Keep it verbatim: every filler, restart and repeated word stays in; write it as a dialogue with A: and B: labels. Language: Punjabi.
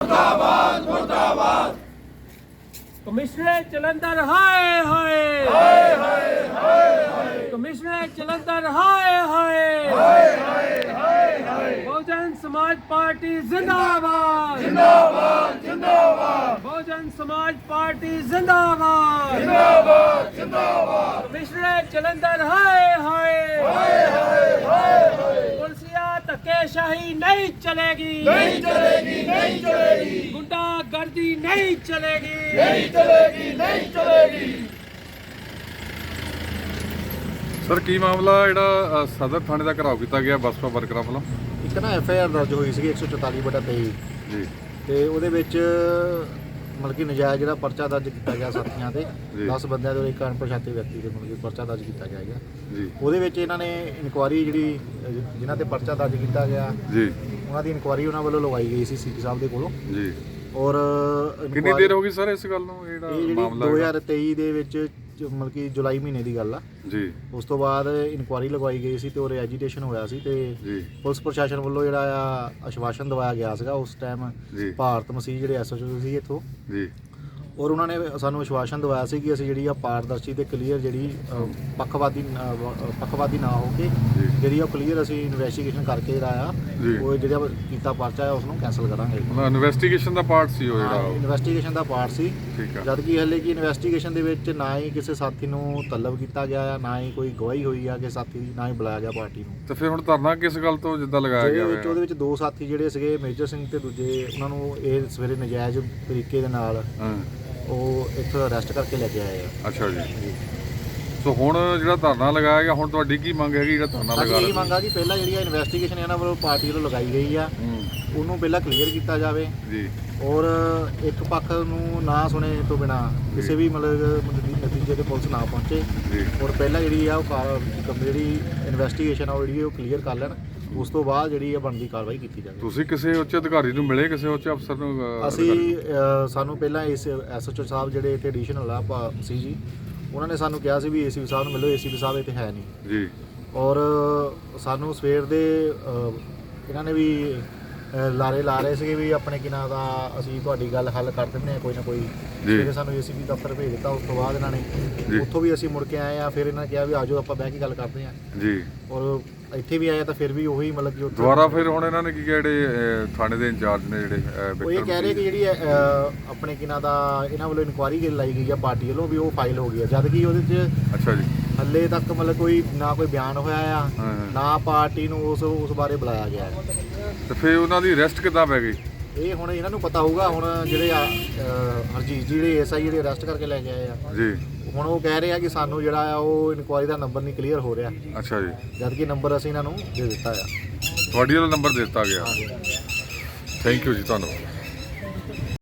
A: मुर्दाबाद मुर्दाबाद
B: कमिश्नर जलंधर हाय हाय
A: हाय हाय हाय हाय
B: कमिश्नर जलंधर हाय हाय
A: हाय हाय हाय हाय
B: बहुजन समाज पार्टी जिंदाबाद
A: जिंदाबाद जिंदाबाद
B: बहुजन समाज पार्टी जिंदाबाद
A: जिंदाबाद जिंदाबाद
B: कमिश्नर जलंधर हाय हाय
A: हाय हाय हाय हाय
B: पुलिसिया धक्केशाही नहीं चलेगी
A: नहीं चलेगी नहीं चलेगी
B: गुंडागर्दी नहीं चलेगी
A: नहीं चलेगी नहीं चलेगी।
C: ਸਰ ਕੀ ਮਾਮਲਾ ਜਿਹੜਾ ਸਦਰ ਥਾਣੇ ਦਾ ਘਰਾਓ ਕੀਤਾ ਗਿਆ ਬਸਪਾ ਵਰਕਰਾਂ ਵੱਲੋਂ?
D: ਇੱਕ ਨਾ ਐਫ ਆਈ ਆਰ ਦਰਜ ਹੋਈ ਸੀ ਇੱਕ ਸੌ ਚੁਤਾਲੀ ਬਟਾ ਤੇਈ
C: ਜੀ
D: ਤੇ ਉਹਦੇ ਵਿੱਚ ਮਤਲਬ ਕਿ ਨਜਾਇਜ਼ ਜਿਹੜਾ ਪਰਚਾ ਦਰਜ ਕੀਤਾ ਗਿਆ ਸਾਥੀਆਂ ਤੇ
C: ਜੀ।
D: ਦਸ ਬੰਦਿਆਂ ਦੇ ਇੱਕ ਅਣਪਛਾਤੇ ਵਿਅਕਤੀ ਦੇ ਮਤਲਬ ਕਿ ਪਰਚਾ ਦਰਜ ਕੀਤਾ ਗਿਆ ਹੈਗਾ।
C: ਜੀ
D: ਉਹਦੇ ਵਿੱਚ ਇਹਨਾਂ ਨੇ ਇਨਕੁਆਰੀ ਜਿਹੜੀ ਅਹ, ਜਿਨ੍ਹਾਂ ਤੇ ਪਰਚਾ ਦਰਜ ਕੀਤਾ ਗਿਆ
C: ਜੀ
D: ਉਹਨਾਂ ਦੀ ਇਨਕੁਆਰੀ ਉਹਨਾਂ ਵੱਲੋਂ ਲਗਾਈ ਗਈ ਸੀ ਸੀਪੀ ਸਾਹਿਬ ਦੇ ਕੋਲੋਂ।
C: ਜੀ
D: ਔਰ
C: ਕਿੰਨੀ
D: inquiry-
C: ਦੇਰ ਹੋ ਗਈ ਸਰ ਇਸ ਗੱਲ ਨੂੰ
D: ਇਹ
C: ਜਿਹੜਾ
D: ਜਿਹੜੀ
C: ਮਾਮਲਾ
D: ਦੋ
C: ਹੈਗਾ?
D: ਹਜ਼ਾਰ ਤੇਈ ਦੇ ਵਿੱਚ ਜ- ਮਤਲਬ ਕਿ ਜੁਲਾਈ ਮਹੀਨੇ ਦੀ ਗੱਲ ਆ।
C: ਜੀ
D: ਉਸ ਤੋਂ ਬਾਅਦ ਇਨਕੁਆਰੀ ਲਗਵਾਈ ਗਈ ਸੀ ਤੇ ਉਹ ਐਜੀਟੇਸ਼ਨ ਹੋਇਆ ਸੀ ਤੇ
C: ਜੀ
D: ਪੁਲਿਸ ਪ੍ਰਸ਼ਾਸਨ ਵੱਲੋਂ ਜਿਹੜਾ ਆ ਆਸ਼ਵਾਸਨ ਦਵਾਇਆ ਗਿਆ ਸੀਗਾ ਉਸ ਟਾਈਮ
C: ਜੀ
D: ਭਾਰਤ ਮਸੀਹ ਜਿਹੜੇ ਐਸ ਐਚ ਓ ਸੀ ਇੱਥੋਂ,
C: ਜੀ
D: ਔਰ ਉਹਨਾਂ ਨੇ ਸਾਨੂੰ ਆਸ਼ਵਾਸਨ ਦਵਾਇਆ ਸੀ ਕਿ ਅਸੀਂ ਜਿਹੜੀ ਆ ਪਾਰਦਰਸ਼ੀ ਤੇ ਕਲੀਅਰ ਜਿਹੜੀ ਅ, ਪੱਖਵਾਦੀ ਨਾ- ਅ, ਪੱਖਵਾਦੀ ਨਾ ਹੋ ਕੇ
C: ਜੀ
D: ਜਿਹੜੀ ਆ ਕਲੀਅਰ ਅਸੀਂ ਇਨਵੈਸਟੀਗੇਸ਼ਨ ਕਰਕੇ ਜਿਹੜਾ ਆ
C: ਜੀ
D: ਉਹ ਜਿਹੜਾ ਕੀਤਾ ਪਰਚਾ ਹੈ ਉਸ ਨੂੰ ਕੈਂਸਲ ਕਰਾਂਗੇ।
C: ਮਤਲਬ ਇਨਵੈਸਟੀਗੇਸ਼ਨ ਦਾ ਪਾਰਟ ਸੀ ਉਹ ਜਿਹੜਾ ਉਹ।
D: ਇਨਵੈਸਟੀਗੇਸ਼ਨ ਦਾ ਪਾਰਟ ਸੀ,
C: ਠੀਕ ਆ
D: ਜਦ ਕਿ ਹਲੇ ਕਿ ਇਨਵੈਸਟੀਗੇਸ਼ਨ ਦੇ ਵਿੱਚ ਨਾ ਹੀ ਕਿਸੇ ਸਾਥੀ ਨੂੰ ਤਲਬ ਕੀਤਾ ਗਿਆ ਆ, ਨਾ ਹੀ ਕੋਈ ਗਵਾਹੀ ਹੋਈ ਆ ਕਿ ਸਾਥੀ ਦੀ, ਨਾ ਹੀ ਬੁਲਾਇਆ ਗਿਆ ਪਾਰਟੀ ਨੂੰ।
C: ਤੇ ਫਿਰ ਹੁਣ ਧਰਨਾ ਕਿਸ ਗੱਲ ਤੋਂ ਜਿੱਦਾਂ ਲਗਾਇਆ
D: ਜਿਹਦੇ
C: ਗਿਆ
D: ਵਿੱਚ ਉਹਦੇ
C: ਹੋਇਆ?
D: ਵਿੱਚ ਦੋ ਸਾਥੀ ਜਿਹੜੇ ਸੀਗੇ ਮੇਜਰ ਸਿੰਘ ਤੇ ਦੂਜੇ, ਉਹਨਾਂ ਨੂੰ ਇਹ ਸਵੇਰੇ ਨਜਾਇਜ਼ ਤਰੀਕੇ ਦੇ ਨਾਲ
C: ਹਾਂ
D: ਉਹ ਇੱਥੋਂ ਅਰੈਸਟ ਕਰਕੇ ਲੈ ਕੇ ਆਏ ਆ।
C: ਅੱਛਾ ਜੀ। ਸੋ ਹੁਣ ਜਿਹੜਾ ਧਰਨਾ ਲਗਾਇਆ ਗਿਆ, ਹੁਣ ਤੁਹਾਡੀ ਕੀ ਮੰਗ ਹੈਗੀ ਜਿਹੜਾ ਧਰਨਾ
D: ਸਾਡੀ
C: ਲਗਾ
D: ਇਹ
C: ਰਿਹਾ?
D: ਮੰਗ ਆ ਕਿ ਪਹਿਲਾਂ ਜਿਹੜੀ ਆ ਇਨਵੈਸਟੀਗੇਸ਼ਨ ਇਹਨਾਂ ਵੱਲੋਂ ਪਾਰਟੀ ਵੱਲੋਂ ਲਗਾਈ ਗਈ ਆ
C: ਹੂੰ
D: ਉਹਨੂੰ ਪਹਿਲਾਂ ਕਲੀਅਰ ਕੀਤਾ ਜਾਵੇ
C: ਜੀ
D: ਔਰ ਇੱਕ ਪੱਖ ਨੂੰ ਨਾ ਸੁਣੇ ਤੋਂ ਬਿਨਾ ਕਿਸੇ ਵੀ ਮਤਲਬ ਨਤੀ- ਨਤੀਜੇ ਤੇ ਪੁਲਿਸ ਨਾ ਪਹੁੰਚੇ
C: ਜੀ
D: ਔਰ ਪਹਿਲਾਂ ਜਿਹੜੀ ਆ ਉਹ ਕਾਰ- ਜਿਹੜੀ ਇਨਵੈਸਟੀਗੇਸ਼ਨ ਆ ਉਹ ਜਿਹੜੀ ਉਹ ਕਲੀਅਰ ਕਰ ਲੈਣ, ਉਸ ਤੋਂ ਬਾਅਦ ਜਿਹੜੀ ਆ ਬਣਦੀ ਕਾਰਵਾਈ ਕੀਤੀ ਜਾਵੇ।
C: ਤੁਸੀਂ ਕਿਸੇ ਉੱਚ ਅਧਿਕਾਰੀ ਨੂੰ ਮਿਲੇ, ਕਿਸੇ ਉੱਚ ਅਫਸਰ ਨੂੰ ਅਹ,
D: ਅਸੀਂ
C: ਅਧਿਕਾਰੀ
D: ਅ, ਸਾਨੂੰ ਪਹਿਲਾਂ ਇਸ ਐਸ ਐਚ ਓ ਸਾਹਿਬ ਜਿਹੜੇ ਇੱਥੇ ਐਡੀਸ਼ਨਲ ਆ ਭਾ- ਸੀ ਜੀ, ਉਹਨਾਂ ਨੇ ਸਾਨੂੰ ਕਿਹਾ ਸੀ ਵੀ ਏ ਸੀ ਪੀ ਸਾਹਿਬ ਨੂੰ ਮਿਲੋ, ਏ ਸੀ ਪੀ ਸਾਹਿਬ ਇੱਥੇ ਹੈ ਨਹੀਂ।
C: ਨੂੰ? ਜੀ
D: ਔਰ ਸਾਨੂੰ ਸਵੇਰ ਦੇ ਅ, ਇਹਨਾਂ ਨੇ ਵੀ ਅ, ਲਾਰੇ ਲਾ ਰਹੇ ਸੀਗੇ ਵੀ ਆਪਣੇ ਕਿਨਾਂ ਦਾ ਅਸੀਂ ਤੁਹਾਡੀ ਗੱਲ ਹੱਲ ਕਰ ਦਿੰਦੇ ਹਾਂ ਕੋਈ ਨਾ ਕੋਈ। ਸਵੇਰੇ ਸਾਨੂੰ ਏ ਸੀ ਪੀ ਦਫ਼ਤਰ ਭੇਜ ਦਿੱਤਾ, ਉਸ ਤੋਂ ਬਾਅਦ ਇਹਨਾਂ ਨੇ
C: ਜੀ।
D: ਉੱਥੋਂ ਵੀ ਅਸੀਂ ਮੁੜ ਕੇ ਆਏ ਆ, ਫਿਰ ਇਹਨਾਂ ਨੇ ਕਿਹਾ ਵੀ ਆਜੋ ਆਪਾਂ ਬਹਿ ਕੇ ਗੱਲ ਕਰਦੇ ਹਾਂ।
C: ਜੀ
D: ਔਰ ਇੱਥੇ ਵੀ ਆਏ ਤਾਂ ਫਿਰ ਵੀ ਉਹੀ ਮਤਲਬ ਕਿ ਉੱਥੇ
C: ਦੁਬਾਰਾ ਫਿਰ ਹੁਣ ਇਹਨਾਂ ਨੇ ਕੀ ਕਿਹਾ, ਜਿਹੜੇ ਅਹ, ਥਾਣੇ ਦੇ ਇੰਚਾਰਜ ਨੇ ਜਿਹੜੇ ਅਹ,
D: ਉਹ ਇਹ
C: ਵਿਕਰਮ
D: ਕਹਿ ਰਹੇ ਕਿ ਜਿਹੜੀ ਅ, ਆਪਣੇ ਕਿਨਾਂ ਦਾ ਇਹਨਾਂ ਵੱਲੋਂ ਇਨਕੁਆਰੀ ਲਾਈ ਗਈ ਆ ਪਾਰਟੀ ਵੱਲੋਂ ਵੀ ਉਹ ਫਾਈਲ ਹੋ ਗਈ ਆ, ਜਦ ਕਿ ਉਹਦੇ 'ਚ
C: ਅੱਛਾ ਜੀ।
D: ਹੱਲੇ ਤੱਕ ਮਤਲਬ ਕੋਈ ਨਾ ਕੋਈ ਬਿਆਨ ਹੋਇਆ ਆ,
C: ਹਾਂ, ਹਾਂ।
D: ਨਾ ਪਾਰਟੀ ਨੂੰ ਉਸ ਉਸ ਬਾਰੇ ਬੁਲਾਇਆ ਗਿਆ ਹੈ।
C: ਤੇ ਫਿਰ ਉਹਨਾਂ ਦੀ ਅਰੈਸਟ ਕਿੱਦਾਂ ਪੈ ਗਈ?
D: ਇਹ ਹੁਣ ਇਹਨਾਂ ਨੂੰ ਪਤਾ ਹੋਊਗਾ। ਹੁਣ ਜਿਹੜੇ ਆ, ਅ, ਹਰਜੀਤ ਜੀ ਜਿਹੜੇ ਐਸ ਆਈ ਜਿਹੜੇ ਅਰੈਸਟ ਕਰਕੇ ਲੈ ਕੇ ਆਏ ਆ,
C: ਜੀ
D: ਹੁਣ ਉਹ ਕਹਿ ਰਹੇ ਆ ਕਿ ਸਾਨੂੰ ਜਿਹੜਾ ਆ ਉਹ ਇਨਕੁਆਰੀ ਦਾ ਨੰਬਰ ਨਹੀਂ ਕਲੀਅਰ ਹੋ ਰਿਹਾ,
C: ਅੱਛਾ ਜੀ।
D: ਜਦ ਕਿ ਨੰਬਰ ਅਸੀਂ ਇਹਨਾਂ ਨੂੰ ਦੇ ਦਿੱਤਾ ਆ।
C: ਤੁਹਾਡੀ ਵਾਲਾ ਨੰਬਰ ਦਿੱਤਾ ਗਿਆ। ਥੈਂਕ ਯੂ ਜੀ, ਧੰਨਵਾਦ।